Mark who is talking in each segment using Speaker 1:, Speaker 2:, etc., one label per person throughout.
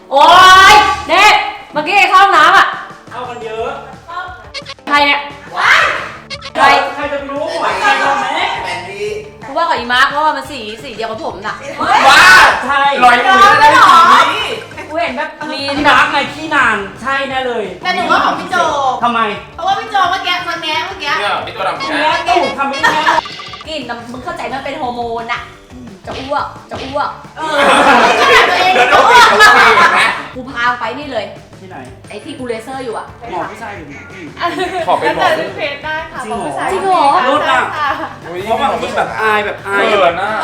Speaker 1: โอ๊ยเด็กเมื่อกี้เข้าห้องน้ำอ่ะ
Speaker 2: เข้ากันเยอะ
Speaker 1: ใครเนี่ย
Speaker 2: ใครจะรู้หวยใครรู้ไหม
Speaker 3: แมนดี้
Speaker 1: กูว่ากับอีมาร์คเพราะว่ามันสีเดียวกับผมน่ะ
Speaker 2: ว้าใช่
Speaker 3: ลอยมือได้สีนี้
Speaker 1: กูเห็นแบบลีน
Speaker 2: พี่มาร์คไงขี้นานใช่แน่เลย
Speaker 4: แต่หนูว่าของพี่โจ
Speaker 2: ทำไม
Speaker 4: เพราะว่าพี่โจเมื่อกี้คนแง้เมื่อกี้
Speaker 3: เนี่ยพี่ตัวดำ
Speaker 2: แง่ตู่ทำไม่แง่
Speaker 1: กลิ่นมึงเข้าใจมันเป็นฮอร์โมนอะจะอ้วก
Speaker 4: ขนาดตัวเอง
Speaker 3: จะอ้วก
Speaker 1: กูพาไปนี่เลย
Speaker 2: ที่ไหน
Speaker 1: ไอ้ที่กูเลเซอร์อยู่อะ
Speaker 2: หมอผู้ชายหรือหมอผู้หญิง
Speaker 3: ขอเป็นหมอ
Speaker 4: เพจได้ค่ะ
Speaker 1: จริงเหรอ
Speaker 2: รุดอ่ะเพราะบางทีแบบอายเขินนะ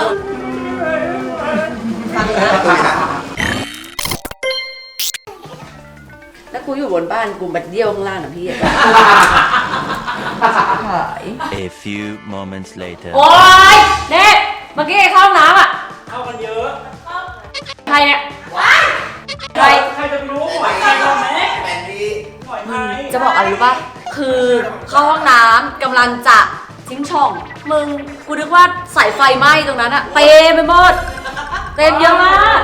Speaker 1: แล้วกูอยู่บนบ้านกูบัดเดี่ยวข้างล่างนะพี่
Speaker 5: A few moments later
Speaker 1: โอ๊ยเด็กเมื่อกี้เข้าห้องน้ำอ่ะ
Speaker 2: เข้ากันเยอะ
Speaker 1: ใครเนี่ย
Speaker 2: ใครจะรู้หวยใครรู้ไหม
Speaker 3: แมนดี้
Speaker 2: หวยไทย
Speaker 1: จะบอกอะไรรู้ป่ะคือเข้าห้องน้ำกำลังจะทิ้งช่องมึงกูนึกว่าสายไฟไหม้ตรงนั้นอะเต็มไปหมดเต็มเยอะมาก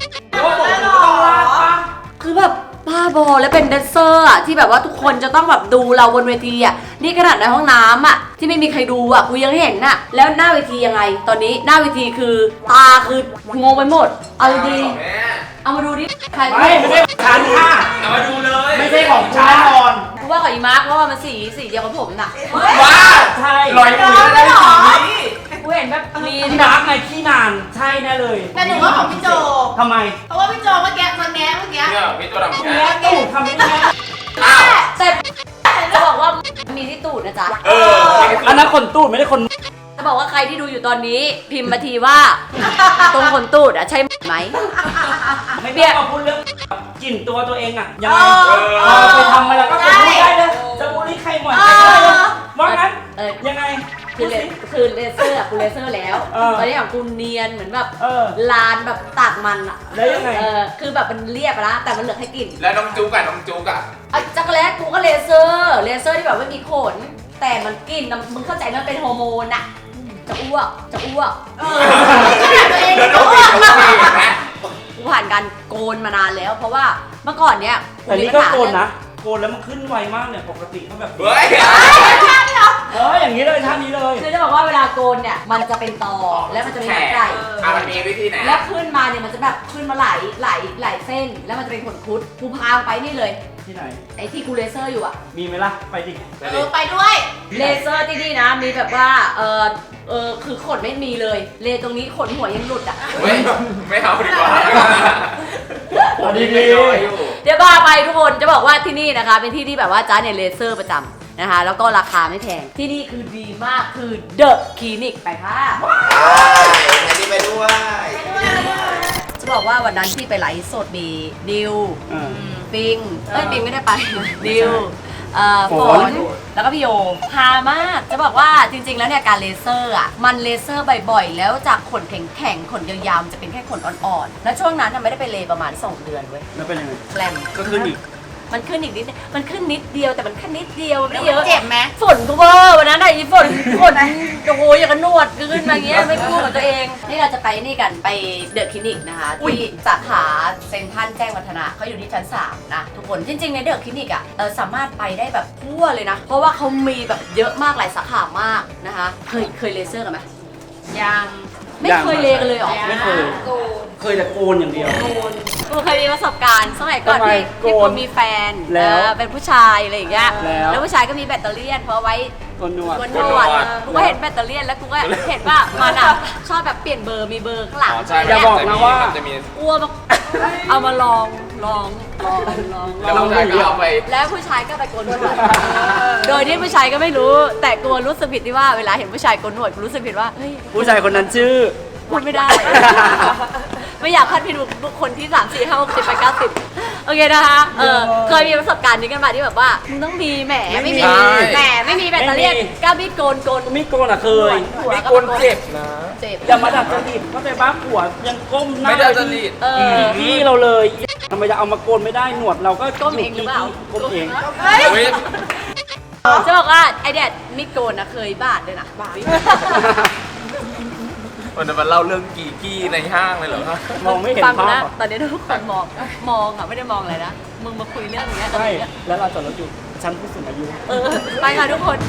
Speaker 1: คือแบบบ้าบอและเป็นแดนเซอร์อะที่แบบว่าทุกคนจะต้องแบบดูเราบนเวทีอะนี่ขนาดในห้องน้ำอะที่ไม่มีใครดูอะกูยังเห็นน่ะแล้วหน้าเวทียังไงตอนนี้หน้าเวทีคือตาคืองงไปหมดเอาดีเอามาดูดิใคร
Speaker 2: ไม่ใช่ฉันค่ะ
Speaker 3: เอามาดูเลย
Speaker 2: ไม่ใช่ของฉันนอน
Speaker 1: กูว่ากับอีมาร์คเพราะว่ามันสีเดียวกับผมน่ะ
Speaker 3: ว้า
Speaker 2: ใช่
Speaker 3: ลอยมือได้สีนี้
Speaker 1: กูเห็นแบบลีน
Speaker 2: พี่มาร์คไงขี้นานใช่แน่เลย
Speaker 4: แต่หนูว่าของพี่โจ
Speaker 2: ทำไม
Speaker 4: เพราะว่าพี่โจเมื่อกี้คนแง้เมื่อกี้
Speaker 3: เนี่ยพี่ตัวดำ
Speaker 2: แง่ตู่ทำไม่แง่
Speaker 1: แต่จะบอกว่ามีที่ตูดนะจ๊ะ
Speaker 2: อันนั้นขนตูดไม่ได้คน
Speaker 1: จะบอกว่าใครที่ดูอยู่ตอนนี้พิมพ์มาทีว่าตรงขนตูดอะใช่ไหม
Speaker 2: ไม่เบี้ยมาพูดเรื่องกลิ่นตัวเองอะยังไงไปทำมาแล้วก็พูดได้เลยจะบูลลี่ใครหมดได้เลยว่างั้นยังไง
Speaker 1: คือเลเซอร์กูเลเซอร์แล้วตอนนี้ของกูเนียนเหมือนแบบลานแบบตากมันอะ
Speaker 2: แล้วยังไง
Speaker 1: คือแบบมันเรียบแล้วแต่มันเหลือให้กลิ่น
Speaker 3: แล้วน้องจุ๊กอะ
Speaker 1: จักรแลกูก็เลเซอร์ที่แบบไม่มีขนแต่มันกลิ่นมึงเข้าใจมันเป็นฮอร์โมนอะจะอ้วก
Speaker 4: ขนาดตัวเอง
Speaker 1: กูผ่านการโกนมานานแล้วเพราะว่าเมื่อก่อนเนี้ย
Speaker 2: แต่นี่ก็โกนนะโกนแล้วมันขึ้นไวมากเนี่ยปกติเขาแบบ
Speaker 3: เฮ้ย
Speaker 2: อย่างนี้เลยท่านี้เลย
Speaker 1: คือจะบอกว่าเวลาโกนเนี่ยมันจะเป็นตอแล้วมันจะเป็นใหญ่
Speaker 3: มันมีวิธีไหน
Speaker 1: แล้วขึ้นมาเนี่ยมันจะแบบขึ้นมาหลายเส้นแล้วมันจะเป็นขนคุดกูพาไปนี่เลย
Speaker 2: ที่ไหน
Speaker 1: ไอ้ที่กูเลเซอร์อยู่อะ
Speaker 2: มีไหมล่ะไปดิ
Speaker 4: ไปด้วย
Speaker 1: เลเซอร์ที่นี่นะมีแบบว่าคือขนไม่มีเลยเลตรงนี้ขนหัวยังหลุดอ่ะ
Speaker 3: ไม่เอาดีกว่า
Speaker 2: ดี
Speaker 1: เดี๋ยวบ้าไปทุกคนจะบอกว่าที่นี่นะคะเป็นที่ที่แบบว่าจ้าเนี่ยเลเซอร์ประจำนะคะแล้วก็ราคาไม่แพงที่นี่คือดีมากคือเดอะคลินิกไปค่ะ
Speaker 3: ไปด้วย
Speaker 1: จะบอกว่าวันนั้นที่ไปไลฟ์สดมีดิวปิงไม่ได้ไปดิวฝนแล้วก็พี่โยพามากจะบอกว่าจริงๆแล้วเนี่ยการเลเซอร์อ่ะมันเลเซอร์บ่อยๆแล้วจากขนแข็งๆขนยาวๆจะเป็นแค่ขนอ่อนๆแล้วช่วงนั้นไม่ได้ไปเลประมาณ2 เดือนเว้ย
Speaker 2: แล้วเป็นยังไง
Speaker 1: แกลม
Speaker 2: ก็ขึ้นอีก
Speaker 1: มันขึ้นอีกนิดมันขึ้นนิดเดียวแต่มันแค่นิดเดียวไม่เยอะ
Speaker 4: เจ็บไหม
Speaker 1: ฝนกูเวอร์วันนั้นไอ้ฝนโอ้โหอย่างกับนวดขึ้นมาเงี้ยไม่พูดกับตัวเองนี่เราจะไปนี่กันไปเดอะคลินิกนะคะที่สาขาเซ็นทรัลแจ้งวัฒนะเขาอยู่ที่ชั้น3นะทุกคนจริงๆในเดอะคลินิกอ่ะสามารถไปได้แบบทั่วเลยนะเพราะว่าเขามีแบบเยอะมากหลายสาขามากนะคะเคยเลเซอร์กันไหม
Speaker 4: ยัง
Speaker 1: ไม่เคยเลกันเลยหรอ
Speaker 2: ไม่เคยแต่โกนอย่างเดียว
Speaker 1: กูเคยมีประสบการณ์สมัยก่อนที่กูมีแฟนเป็นผู้ชายอะไรอย่างเงี้ยแล้วผู้ชายก็มีแบตเตอรี่เพราะไว้
Speaker 2: นวด
Speaker 1: กูก็เห็นแบตเตอรี่แล้วกูก็เห็นว่ามันอ่ะชอบแบบเปลี่ยนเบอร์มีเบอร์ข้างหลัง
Speaker 2: อย่าบอกนะว่า
Speaker 1: อ้วกเอามาลอง
Speaker 3: แล้วผู้ชายก็เอาไป
Speaker 1: แล้วผู้ชายก็ไปโกนหนวดโดยที่ผู้ชายก็ไม่รู้แต่กูรู้สึกผิดที่ว่าเวลาเห็นผู้ชายโกนหนวดกูรู้สึกผิดว่า
Speaker 2: ผู้ชายคนนั้นชื่อ
Speaker 1: พูดไม่ได้ไม่อยากพลาดพิงบุคคลที่3 4 5 6 7 8 9 10โอเคนะคะเคยมีประสบการณ์นี้กันมาที่แบบว่ามึงต้องมีแหมไม่มีแบตเตอรี่ก้าวมีดโกน
Speaker 2: มีดโกนอ่ะเคย
Speaker 3: มีดโกนเจ็บนะ
Speaker 1: เจ็บ
Speaker 2: อย่ามาดัดจริตเข้าใจบ้าผัวยังก้มหน้า
Speaker 3: ไม่ดัดจริต
Speaker 2: พี่เราเลยทำไมจะเอามาโกนไม่ได้หนวดเราก็
Speaker 1: ก้มเองหรือเปล่า
Speaker 2: ก้มเอง
Speaker 1: จะบอกว่าไอเดียมีดโกนนะเคยบาดเลยนะบาด
Speaker 3: วันนั้นมาเล่าเรื่องกีกี้ในห้างเลยเหรอคะ
Speaker 2: มองไม่เห็น
Speaker 1: ฟัง
Speaker 2: ภา
Speaker 1: นะ
Speaker 2: พอะ
Speaker 1: ตอนนี้ทุกคนมองอ่ะไม่ได้มองอะไรนะมึงมาคุยเรื่องอย่างเงี้ยกับ
Speaker 2: ใช่
Speaker 1: มึงอะ
Speaker 2: แล้วเราจอดรถอยู่ชั้นผู้สูงอายุ
Speaker 1: ไปค่ะทุกคน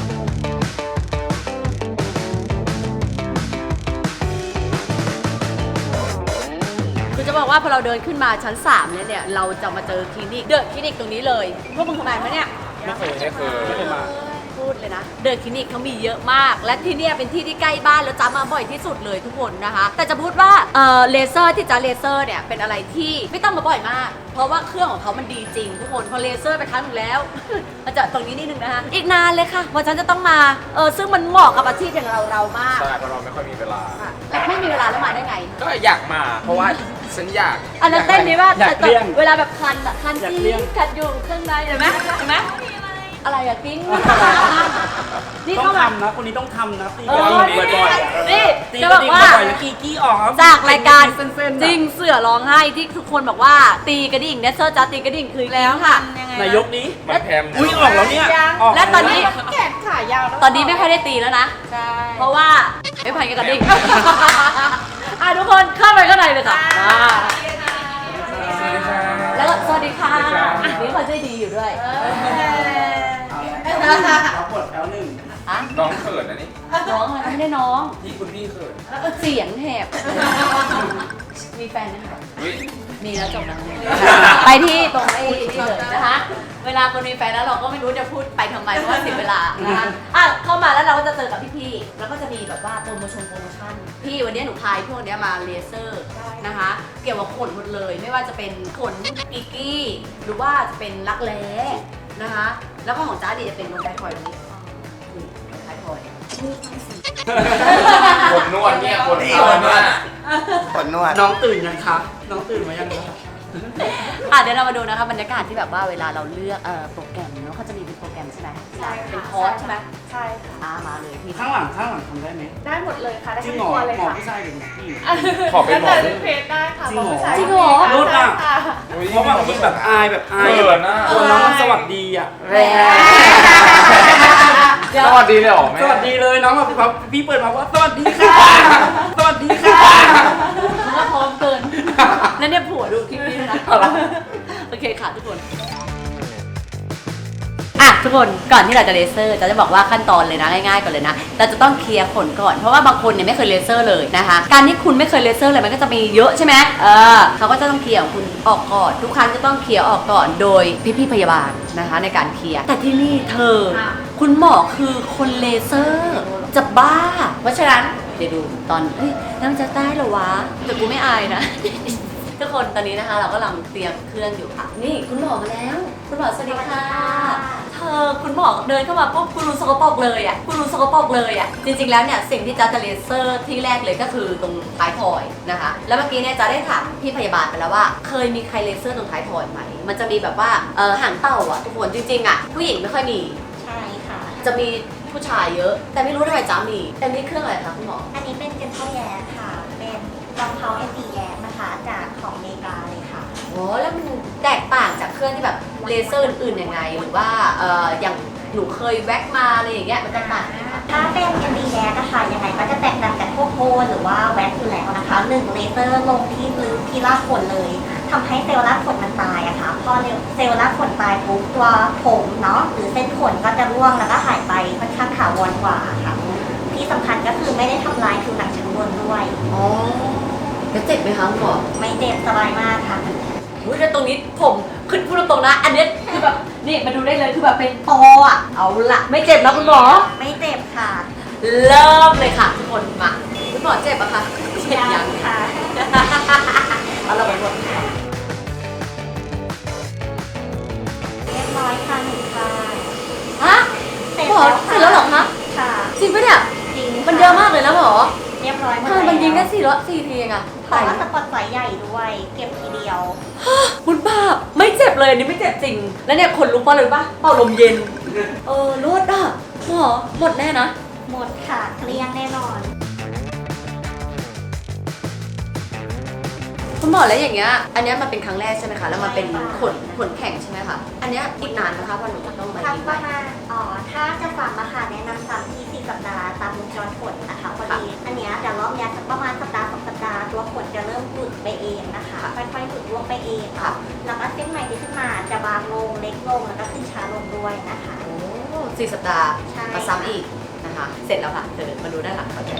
Speaker 1: คือจะบอกว่าพอเราเดินขึ้นมาชั้น3เนี่ยเราจะมาเจอคลินิกเดอะคลินิกตรงนี้เลยพวกมึงทำไมมาเนี่ย
Speaker 3: ไม่เคยมา
Speaker 1: พูดเลยนะเดอะคลินิกเขามีเยอะมาก และที่เนี่ยเป็นที่ที่ใกล้บ้านแล้วจ้ามาบ่อยที่สุดเลยทุกคนนะคะ แต่จะพูดว่าเลเซอร์ที่จ้าเลเซอร์เนี่ยเป็นอะไรที่ไม่ต้องมาบ่อยมาก เพราะว่าเครื่องของเขามันดีจริงทุกคนพอเลเซอร์ไปครั้งหนึ่งแล้ว มาจะตรงนี้นิดนึงนะคะอีกนานเลยค่ะว่าฉันจะต้องมาซึ่งมันเหมาะกับอาชีพอย่างเรามาก
Speaker 3: ใช่เพราะเราไม่ค่อยมีเวลา
Speaker 1: แต่ไม่มีเวลาแล้วมาได้ไง
Speaker 3: ก็อยากมาเพราะว่าฉันอยาก
Speaker 1: อันนั้นเต้นนี้ว่า
Speaker 2: อยากเลี่ยง
Speaker 1: เวลาแบบคันอะคัน
Speaker 2: อยาก
Speaker 1: จ
Speaker 2: เลี่
Speaker 1: ริ
Speaker 2: ย
Speaker 1: ง
Speaker 2: ง
Speaker 1: คันอยู่ข้างในเห็นไหมเห็นไหมอะไรอะกิ้งนี่
Speaker 2: ต้อ
Speaker 1: เข้าง มา
Speaker 2: ทำนะคนนี้ต้องทำนะตี
Speaker 1: เอก
Speaker 2: ระ
Speaker 1: อ
Speaker 2: ดิ่งบ่อยๆอะ
Speaker 1: นี่
Speaker 2: ตี
Speaker 1: จะ
Speaker 2: ก
Speaker 1: บ
Speaker 2: ระ
Speaker 1: อก
Speaker 2: ดิ่ง
Speaker 1: ว่า
Speaker 2: บ่อยๆแล้วกีกี้ออกครับ
Speaker 1: จากรายการ
Speaker 2: เส้นๆ
Speaker 1: จริงเสือร้องไห้ที่ทุกคนบอกว่าตีกระดิ่งเนสเซอร์จ้าตีกระดิ่งคือแล้วค่ะ
Speaker 2: นายกนี้
Speaker 3: มันแพม
Speaker 2: อุ้ยออกแล้วเนี่ยออก
Speaker 1: และตอนนี้
Speaker 4: แขนขายาวแล้ว
Speaker 1: ตอนนี้ไม่ค่อยได้ตีแล้วนะ
Speaker 4: ใช่
Speaker 1: เพราะว่าไม่พันกับกระดิ่ง ทุกคนเข้าไปข้างในเลยค่ะมา
Speaker 3: สวัสดีค่ะ
Speaker 1: แล้วก็สวัสดีค่ะ
Speaker 3: สวัสดีครับ
Speaker 1: นี่เขาใจดีอยู่ด้วย
Speaker 2: เราปวดแถวหนึ่ง
Speaker 1: อะ
Speaker 3: น้องเขินนะนี่
Speaker 1: น้องอะไรไม่ได้น้อง
Speaker 3: พี่คุณพี่เขิน
Speaker 1: เสียงแหบ มีแฟนไหมคะ
Speaker 3: อุ๊ย
Speaker 1: มีแล้วจบแล้วไปที่ตรงไอ้นี่เลยนะคะ เวลาคนมีแฟนแล้วเราก็ไม่รู้จะพูดไปทำไมเพราะว่าเสียเวลานะคะเข้ามาแล้วเราก็จะเจอกับพี่ๆแล้วก็จะมีแบบว่าโปรโมชั่นพี่วันนี้หนูพายพวกเนี้ยมาเลเซอร์นะคะ เกี่ยวกับขนหมดเลย ไม่ว่าจะเป็นขนกิกกี้หรือว่าจะเป็นรักแร้นะคะ แล้วก็ของจ้าดีจะเป็นลงไททอยนี้นี่ลงไททอย
Speaker 3: คนนวดเนี่ยคนนวดเนี่ย
Speaker 6: คนนวด
Speaker 2: น้องตื่นยังคะน้องตื่นมายังคะ
Speaker 1: เดี๋ยวเรามาดูนะคะบรรยากาศที่แบบว่าเวลาเราเลือกโปรแกรมเนาะเขาจะมีเป็นโปรแกรมใช่ไหม
Speaker 4: ใช่
Speaker 1: เป็นคอร์สใช่ไหม
Speaker 4: ใช่ค่ะ
Speaker 1: มาเลยพี่
Speaker 2: ข้างหลังทำได้ไหม
Speaker 4: ได้หมดเลยค่ะ ได้
Speaker 2: จริ
Speaker 4: ทั้
Speaker 2: ง
Speaker 4: ง
Speaker 2: เหรอ
Speaker 4: ตัวเลย
Speaker 2: หมอ
Speaker 4: ค่ะ
Speaker 2: ผู้ชายหรือหมอผู้หญิง
Speaker 3: ขอเป็นหมอ
Speaker 4: แล้วแต่เพจได้ค่ะ
Speaker 2: จริงเหรอ
Speaker 4: ผู้ชาย
Speaker 1: จริงเหรอ
Speaker 2: รู้ป่ะ
Speaker 4: ใช่ค่ะ
Speaker 2: เพราะบางทีแบบอาย
Speaker 3: เขินน่ะ
Speaker 2: ตัวน้องมันสวัสดีอ่ะ
Speaker 1: แรง
Speaker 3: สวัสดีเลยเหรอแม่
Speaker 2: สวัสดีเลยน้องแบบพี่เปิดมาว่าสวัสดีค่ะสวัสดีค่ะ
Speaker 1: มันก็พร้อมเกิน นั่นเนี่ยผัวดูคลิปนี้ด้วยนะ โอเคค่ะทุกคน ทุกคนก่อนที่เราจะเลเซอร์จะบอกว่าขั้นตอนเลยนะง่ายๆก่อนเลยนะเราจะต้องเคลียร์ขนก่อนเพราะว่าบางคนเนี่ยไม่เคยเลเซอร์เลยนะคะการที่คุณไม่เคยเลเซอร์เลยมันก็จะมีเยอะใช่ไหมเขาก็จะต้องเคลียร์ของคุณออกก่อนทุกครั้งจะต้องเคลียร์ออกก่อนโดยพี่ๆพยาบาลนะคะในการเคลียร์แต่ที่นี่เธอคุณหมอคือคนเลเซอร์จะบ้าเพราะฉะนั้นเดี๋ยวดูตอนแล้วมันจะได้เหรอวะแต่กูไม่อายนะ ทุกคนตอนนี้นะคะเราก็กำลังเตรียมเครื่องอยู่ค่ะนี่คุณหมอมาแล้วคุณหมอสวัสดีค่ะเธอคุณหมอเดินเข้ามาปุ๊บคุณรู้สกปรกเลยอ่ะคุณรู้สกปรกเลยอ่ะจริงๆแล้วเนี่ยสิ่งที่จ๊ะจะเลเซอร์ที่แรกเลยก็คือตรงท้ายทอยนะคะแล้วเมื่อกี้เนี่ยจ๊ะได้ถามพี่พยาบาลไปแล้วว่าเคยมีใครเลเซอร์ตรงท้ายทอยไหมมันจะมีแบบว่าหางเต่าอ่ะทุกคนจริงๆอ่ะผู้หญิงไม่ค่อยมี
Speaker 7: ใช่ค่ะ
Speaker 1: จะมีผู้ชายเยอะ แต่ไม่รู้ทำไมจ๊ะมีแต่นี่เครื่องอะไรคะคุณหมอ
Speaker 7: อันนี้เป็นเจนเทลแยกค่ะ เป็นรองเท้า MD แยกนะคะ จากของอเมริกาเลยค่ะ
Speaker 1: โอ้แล้วมันแตกต่างจากเครื่องที่แบบเลเซอร์อื่นๆยังไงหรือว่าอย่างหนูเคยแว็กมาอะไรอย่างเงี้ยมันแตกต่างไหมคะ
Speaker 7: ถ้าเป็น MD แยกนะคะยังไงก็จะแตกต่างจากพวกโคนหรือว่าแว็กอยู่แล้วนะคะหนึ่งเลเซอร์ลงที่ลึกที่รากขนเลยทำให้เซลล์รากขนมันตายอะค่ะพอเซลล์รากขนตายปุ๊บตัวผมเนาะหรือเส้นขนก็จะร่วงแล้วก็หายไปค่อนข้างถาวรกว่าค่ะ ที่สำคัญก็คือไม่ได้ทำลายผิวหนังชั้นบนด้วย
Speaker 1: อ๋อแล้วเจ็บไหมคะคุณหมอ
Speaker 7: ไม่เจ็บสบายมากค่ะ
Speaker 1: อุ้ยแล้วตรงนี้ผมขึ้นพูดตรงๆนะ อันเนี้ยคือแบบนี่มาดูได้เลยคือแบบเป็นตออ่ะเอาละไม่เจ็บนะคุณหมอ
Speaker 7: ไม่เจ็บค่ะ
Speaker 1: เริ่มเลยค่ะทุกคนมาคุณหมอเจ็บปะคะเจ็บยัง
Speaker 7: ค่ะ
Speaker 1: เอาเราไปหมด
Speaker 7: เรียบร้อยค่ะหนึ่งค่ะ
Speaker 1: ฮะหมอเสร็จแล้วเหรอคะ
Speaker 7: ค่ะ
Speaker 1: จริงปะเนี่ย
Speaker 7: จริง
Speaker 1: มันเยอะมากเลยนะหมอ
Speaker 7: เรียบร้อยหมด
Speaker 1: ทำไม
Speaker 7: แล้ว
Speaker 1: มันยิงได้4ทีเองอะ
Speaker 7: เพราะว่าสปอตไฟใหญ่ด้วย เก็บทีเดียว
Speaker 1: คุณป้าไม่เจ็บเลยอันนี่ไม่เจ็บจริง แล้วเนี่ยขนลุกเพราะอะไรรู้ป่ะเป่าลมเย็นรวดอ่ะหมอหมดแน่นะ
Speaker 7: หมดค่ะเกลี้ยงแน่นอน
Speaker 1: คุณหมอแล้วอย่างเงี้ยอันเนี้ยมันเป็นครั้งแรกใช่ไหมคะแล้วมันเป็นขนแข็งใช่ไหมคะอันเนี้ยอีกนานนะคะวันหนูจะต้องมา
Speaker 7: ทำ
Speaker 1: อีก
Speaker 7: ป
Speaker 1: ไหม
Speaker 7: ระมาณถ้าจะฟังราคาแนะนำตามที่4 สัปดาห์ตามวงจรผลนะคะคน
Speaker 1: ค่ะ
Speaker 7: อันเนี้ยเดี๋ยวรอบเนี้ยสักประมาณสัปดาห์2 สัปดาห์ตัวขนจะเริ่มหลุดไปเองนะคะ ค่อยๆหลุดร่วงไปเองค่ะ แล้วก็เส้นใหม่ที่ขึ้นมาจะบางลงเล็กลงแล้วก็ขึ้นช้าลงด้วยนะคะ
Speaker 1: โอ้4 สัปดาห์
Speaker 7: ใช่
Speaker 1: มาซ้ำอีกนะคะ เสร็จแล้วค่ะเดี๋ยวมาดูด้านหลังเขา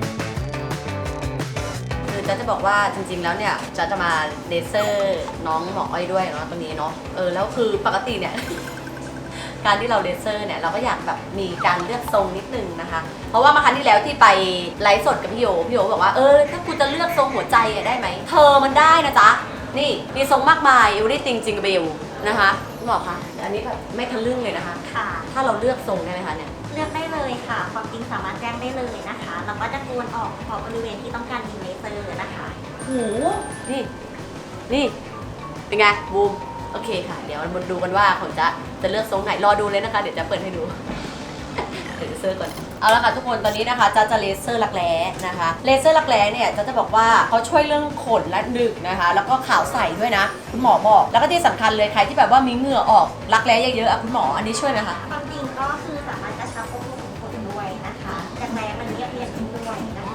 Speaker 1: คือจ๊ะจะบอกว่าจริงๆแล้วเนี่ยจ๊ะจะมาเลเซอร์น้องหมออ้อยด้วยเนาะตรงนี้เนาะแล้วคือปกติเนี่ย การที่เราเลเซอร์เนี่ยเราก็อยากแบบมีการเลือกทรงนิดนึงนะคะ เพราะว่ามาครั้งที่แล้วที่ไปไลฟ์สดกับพี่โยบอกว่าถ้ากูจะเลือกทรงหัวใจอะได้ไหมเธอมันได้นะจ๊ะนี่มีทรงมากมายอยู่ที่จริงๆเบลนะคะคุณหมอคะอันนี้แบบไม่ทะลึ่งเลยนะคะ
Speaker 7: ค่ะ
Speaker 1: ถ้าเราเลือกทรงได้ไหมคะเนี่ย
Speaker 7: เลือกได้เลยค่ะ ความจริงสามารถแจ้งได้เลยนะคะ แล้วก็จะกวนออกเฉพาะบริเวณที่ต้องการยิงเลเซอร์นะคะ
Speaker 1: โหนี่เป็นไงบูมโอเคค่ะ เดี๋ยวมาดูกันว่าผมจะเลือกทรงไหนรอดูเลยนะคะ เดี๋ยวจะเปิดให้ดู เดี๋ยวเลเซอร์ก่อนเอาละค่ะทุกคนตอนนี้นะคะจะเลเซอร์รักแร้นะคะเลเซอร์รักแร้เนี่ยจะบอกว่าเขาช่วยเรื่องขนและหนึกนะคะ แล้วก็ขาวใสด้วยนะคุณหมอบอกแล้วก็ที่สำคัญเลยใครที่แบบว่ามีเหงื่อออกรักแร้เยอะๆคุณหมออันนี้ช่วยไหมคะ
Speaker 7: ความจริงก็คือสามารถกระชับควบคุมขนด้วยนะคะจากแม้มันเรียบเรียนขึ้นด้วยนะคะ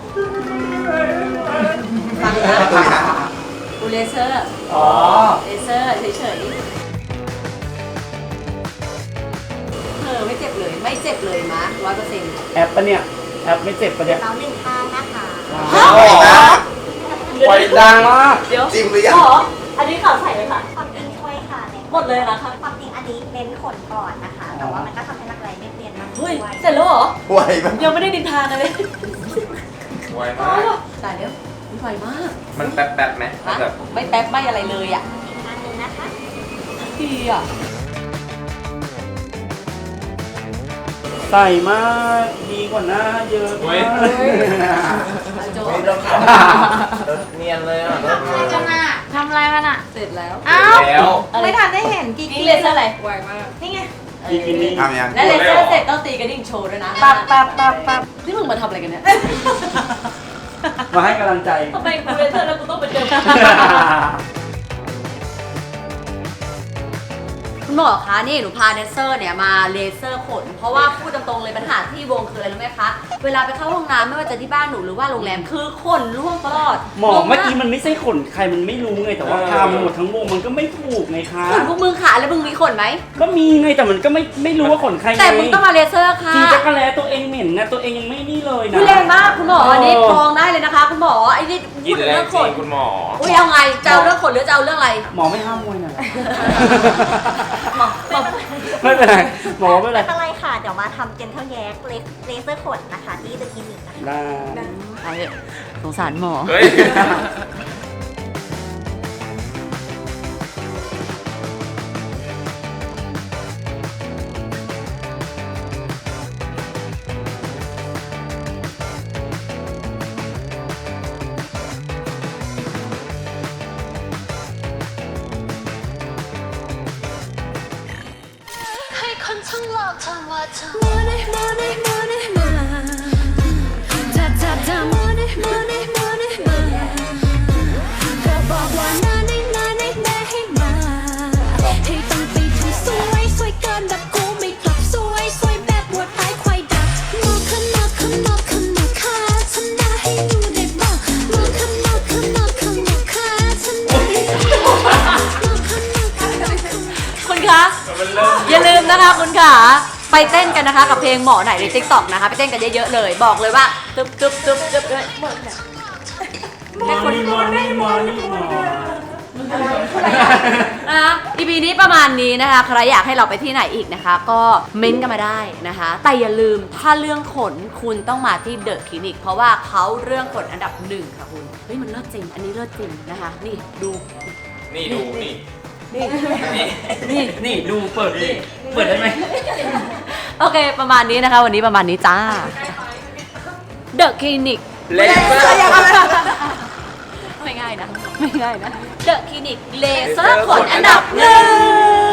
Speaker 1: ฟังนะดูเลเซอร์
Speaker 2: อ๋อ
Speaker 1: เลเซอร์เฉยๆไม่เจ็บเลยมา100%
Speaker 2: แอปปะเนี่ยแอปไม่เจ็บปะเนี่ย
Speaker 7: เราหนึ่งข้างนะคะ
Speaker 3: ไฟดังมาก
Speaker 1: เดี๋ยว
Speaker 3: จิ้มหรือยัง
Speaker 1: หมออันนี้ข่าวใส่เลยค่ะ
Speaker 7: ความจริงช่วยค่ะ
Speaker 1: หมดเลยนะคะ
Speaker 7: ความจริงอันนี้เน้นขนก่อนนะคะ แต่ว่ามันก็ทำให้รักแร้ไม่เปลี่ยนมากด้
Speaker 1: เฮ้
Speaker 7: วย ย
Speaker 1: เสร็จแล้วเหรอ
Speaker 3: ไวมาก
Speaker 1: ยังไม่ได้ดินทากันเลย
Speaker 3: ไวมาก
Speaker 1: ตายแล้วมันไวมาก
Speaker 3: มันแป๊บๆไหม
Speaker 1: ฮะ
Speaker 3: แบบ
Speaker 1: ไม่แป๊บไม่อะไรเลยอ่ะ
Speaker 7: อีกอันหนึงนะคะ
Speaker 1: ดีอ่ะ
Speaker 2: ใส่มากดีกว่าหน้าเยอะมาก
Speaker 1: โจ
Speaker 3: ไม่ต้องขับเนียนเลยอ่ะ
Speaker 4: ทำอะไรกันอ่ะทำอะไรกันอ่ะ
Speaker 1: เสร็จแล้ว
Speaker 4: อ้าว
Speaker 3: แล้ว
Speaker 4: ไม่ทันได้เห็นกี่
Speaker 1: นี่เลเซอร์อะไร
Speaker 4: ไวมาก
Speaker 7: นี่ไง
Speaker 2: อีกนิดนึง
Speaker 3: ทำยัง
Speaker 1: และเลเซอร์เสร็จต้องตีกระดิ่งโชว์ด้วยนะ
Speaker 4: ปับปับปับปับ
Speaker 1: นี่มึงมาทำอะไรกันเนี่ย
Speaker 2: มาให้กำลังใจ
Speaker 1: ทำไมกูเลเซอร์แล้วกูต้องไปเจอคุณหมอคะนี่หนูพาแดนเซอร์เนี่ยมาเลเซอร์ขน เพราะว่าพูดตรงๆเลยปัญหาที่วงคืออะไรรู้ไหมคะเวลาไปเข้าห้องน้ำไม่ว่าจะที่บ้านหนูหรือว่าโรงแรมคือขนร่วงตลอด
Speaker 2: หมอเมื่อกี้มันไม่ใช่ขนใครมันไม่รู้ไงแต่ว่าทำหมดทั้งวงมันก็ไม่ถูกไงคะ
Speaker 1: ขนพวกมึงขาแล้วมึงมีขนไหม
Speaker 2: ก็มีไงแต่มันก็ไม่รู้ว่าขนใครไง
Speaker 1: แต่มึงต้องมาเลเซอร์ค่ะ
Speaker 2: จริงจักรแล้ตัวเองเหม็นนะตัวเองยังไม่นี่เลยนะ
Speaker 1: คุณแรงมากคุณหมออันนี้ฟ้องได้เลยนะคะ คุณหมอไอ้นี่พูดถึงเรื่องขน
Speaker 3: คุณหมอ
Speaker 1: อุ้ยเอาไงจะเอาเรื่องขนหรือจะเอาเรื่องอะไร
Speaker 2: หมอไม่ห้ามมวยนะ
Speaker 1: หมอ
Speaker 2: ไม่เป็นไรหมอไม่เป็นไร
Speaker 7: ไม่เป็นไรค่ะ เดี๋ยวมาทำเจนเทลแยกเลเซอร์ขนนะคะ ที่เดอะคลินิกนะคะ
Speaker 2: ได้
Speaker 1: เอาเถอะสงสารหมอ
Speaker 3: เฮ้ย
Speaker 6: ให้คนทั้งโลกทำว่าเธอ Money Money Money มาถ้า Money Money Money มาเธอบอกว่านานี่แม่ให้มาให้ต้องไปทำสวยเกินแบบกูไม่กลับสวยแบบวัวตายควายดับมองข้างนอกค่ะฉันน่าให้ดูได้บ้างมองข้างนอกค่ะฉันน่าให้ดูได้บ้างมองข้างนอก
Speaker 1: คุณคะอย่าลืมนะคะคุณขาไปเต้นกันนะคะกับเพลงหมอไหนใน TikTok นะคะไปเต้นกันเยอะๆเลยบอกเลยว่าตึ๊บเลยให้คน
Speaker 2: มอนี่หมอ
Speaker 1: นะคะ EP นี้ประมาณนี้นะคะใครอยากให้เราไปที่ไหนอีกนะคะ ก็เม้นต์กันมาได้นะคะ แต่อย่าลืมถ้าเรื่องขนคุณต้องมาที่เดอะคลินิกเพราะว่าเขาเรื่องขนอันดับ1ค่ะคุณเฮ้ยมันเลิศจริงอันนี้เลิศจริงนะคะนี่ดู
Speaker 3: นี่ดูนี่
Speaker 2: นี่ดูเปิดได้ไหม
Speaker 1: โอเคประมาณนี้นะคะ วันนี้ประมาณนี้จ้าเดอะคลินิก
Speaker 3: เลเซอร์
Speaker 1: ไม่ง่ายนะเดอะคลินิกเลเซอร์ขนอันดับ1